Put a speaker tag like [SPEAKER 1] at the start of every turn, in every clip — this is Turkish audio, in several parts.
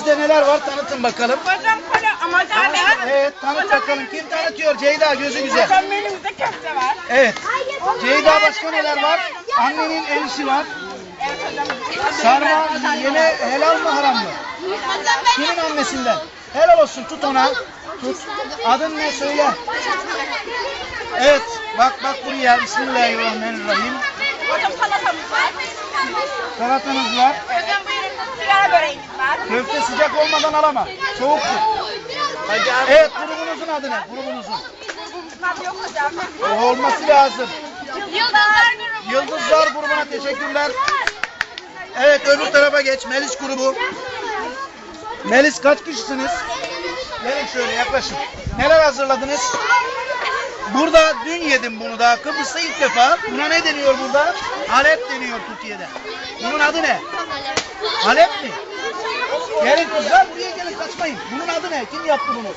[SPEAKER 1] Menünüzde neler var tanıtın bakalım.
[SPEAKER 2] Hocam böyle ama abi.
[SPEAKER 1] Evet tanıt bakalım. Kim tanıtıyor? Ceyda gözü güzel.
[SPEAKER 2] Hocam menümüzde köfte var.
[SPEAKER 1] Evet. Ceyda başka neler var? Annenin el işi var. Sarma yine helal mı haram mı? Kimin annesinden? Helal olsun tut ona. Tut. Adın ne söyle. Evet bak buraya. Bismillahirrahmanirrahim.
[SPEAKER 2] Hocam salatamız var.
[SPEAKER 1] Salatanız var.
[SPEAKER 2] Hocam buyurun sigara böreğimiz var.
[SPEAKER 1] Köfte sıcak olmadan alama. Soğuktur. Evet grubunuzun adı ne? Grubunuzun.
[SPEAKER 2] Grubumuzun yok hocam.
[SPEAKER 1] Olması lazım.
[SPEAKER 2] Yıldızlar grubu.
[SPEAKER 1] Yıldızlar grubuna teşekkürler. Evet öbür tarafa geç. Melis grubu. Melis kaç kişisiniz? Gelin şöyle yaklaşın. Neler hazırladınız? Burada dün yedim bunu da. Kıbrıs'ta ilk defa. Buna ne deniyor burada? Halep deniyor Türkiye'de. Bunun adı ne? Halep mi? Gelin kızlar buraya gelin kaçmayın. Bunun adı ne? Kim yaptı bunu?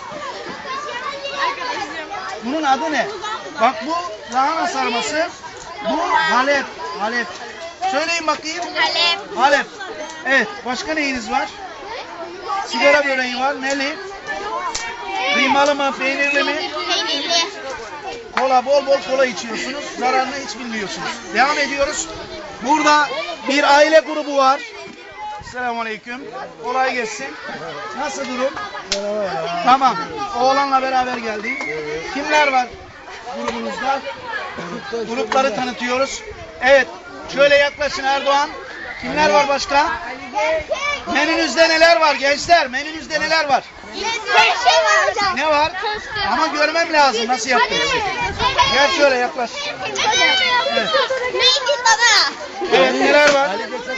[SPEAKER 1] Bunun adı ne? Bak bu lahana sarması. Bu Halep. Halep. Söyleyin bakayım.
[SPEAKER 2] Halep.
[SPEAKER 1] Halep. Evet. Başka neyiniz var? Sigara böreği var. Neli? Kıymalı mı? Peynirli mi?
[SPEAKER 2] Peynirli.
[SPEAKER 1] Kola, bol kola içiyorsunuz. Zararını hiç bilmiyorsunuz. Devam ediyoruz. Burada bir aile grubu var. Selamünaleyküm. Kolay gelsin. Nasıl durum? Tamam. Oğlanla beraber geldik. Kimler var grubunuzda? Grupları tanıtıyoruz. Evet. Şöyle yaklaşın Erdoğan. Kimler var başka? Menünüzde neler var gençler? Menünüzde neler var? Ne var? Ama görmem lazım nasıl yaptığınızı. Gel şöyle yaklaş. Evet. Evet neler var?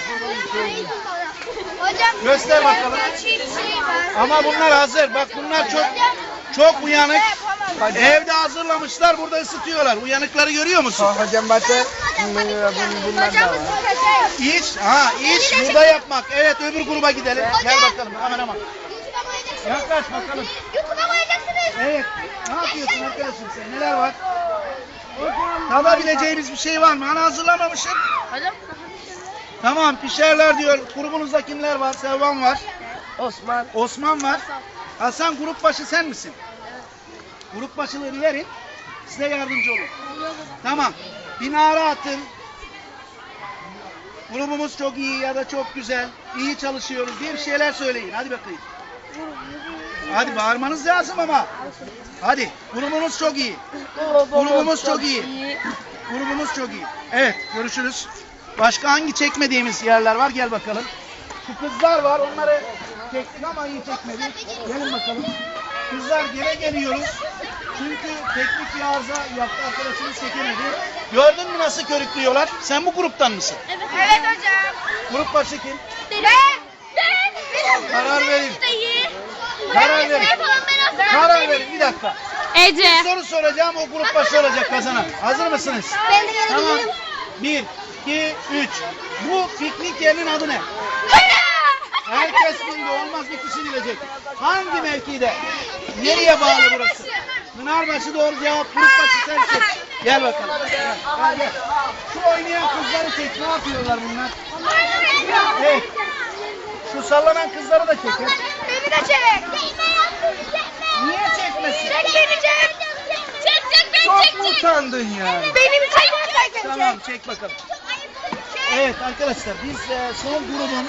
[SPEAKER 1] Göster bakalım. Ama bunlar hazır. Bak bunlar çok uyanık. Evde hazırlamışlar. Burada ısıtıyorlar. Uyanıkları görüyor musun?
[SPEAKER 3] Hocam batı bunlar da var.
[SPEAKER 1] İş burada yapmak. Evet öbür gruba gidelim. Gel bakalım kameraman. Yaklaş bakalım. Evet. Ne yapıyorsun arkadaşım sen? Neler var? Tadabileceğimiz bir şey var mı? Hani hazırlamamışım. Tamam pişerler diyor. Grubunuzda kimler var? Sevvan var. Osman var. Hasan grup başı sen misin? Grup başılığını verin. Size yardımcı olur. Tamam. Bir nara atın. Grubumuz çok iyi ya da çok güzel. İyi çalışıyoruz diye bir şeyler söyleyin. Hadi bakayım. Hadi bağırmanız lazım ama. Hadi. Grubumuz çok iyi. Grubumuz çok iyi. Grubumuz çok iyi. Evet görüşürüz. Başka hangi çekmediğimiz yerler var? Gel bakalım. Şu kızlar var. Onları çektik ama iyi çekmedik. Gelin bakalım. Kızlar gene geliyoruz. Çünkü teknik bir arıza yaptı. Arkadaşımız çekemedi. Gördün mü nasıl körüklüyorlar? Sen bu gruptan mısın?
[SPEAKER 2] Evet hocam.
[SPEAKER 1] Grup başı kim?
[SPEAKER 2] Ben.
[SPEAKER 1] Karar verin. Karar verin. Karar verin. Bir dakika.
[SPEAKER 4] Ece.
[SPEAKER 1] Bir soru soracağım. O grup başı olacak kazanan. Hazır mısınız? Tamam. 1, 2, 3. Bu piknik yerinin adı ne? Herkes bildi. Olmaz bir kişi bilecek. Hangi mevkide? Nereye bağlı burası? Pınarbaşı doğru cevap. Grup başı sen seç. Gel bakalım. Gel. Şu oynayan kızları çek. Ne yapıyorlar bunlar? Evet. Şu sallanan kızları da çek.
[SPEAKER 2] Beni de çek.
[SPEAKER 1] Niye çekmesin?
[SPEAKER 2] Çek beni çek. Çek beni
[SPEAKER 3] Çok mu utandın ya?
[SPEAKER 2] Benim çek.
[SPEAKER 1] Tamam çek bakalım. Evet arkadaşlar biz son grubun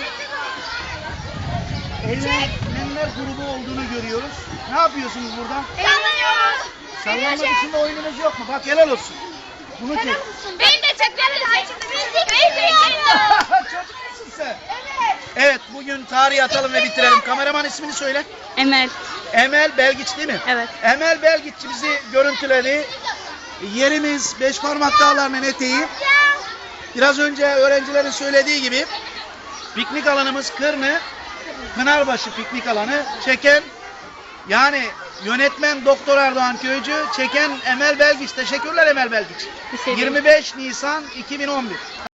[SPEAKER 1] eğlenenler grubu olduğunu görüyoruz. Ne yapıyorsunuz burada?
[SPEAKER 2] Eğleniyoruz.
[SPEAKER 1] Sallanma dışında oyununuz yok mu? Bak helal olsun. Bunu çek.
[SPEAKER 2] Beni de çek. Beni de
[SPEAKER 1] Çocuk musun sen? Evet bugün tarihi atalım ve bitirelim. Kameraman ismini söyle.
[SPEAKER 4] Emel.
[SPEAKER 1] Emel Belgiç değil mi?
[SPEAKER 4] Evet.
[SPEAKER 1] Emel Belgiç bizi görüntüledi. Yerimiz Beşparmak Dağları'nın eteği. Biraz önce öğrencilerin söylediği gibi piknik alanımız Kırnı, Pınarbaşı piknik alanı. Çeken yani yönetmen Doktor Erdoğan Köycü, çeken Emel Belgiç. Teşekkürler Emel Belgiç. 25 Nisan 2011.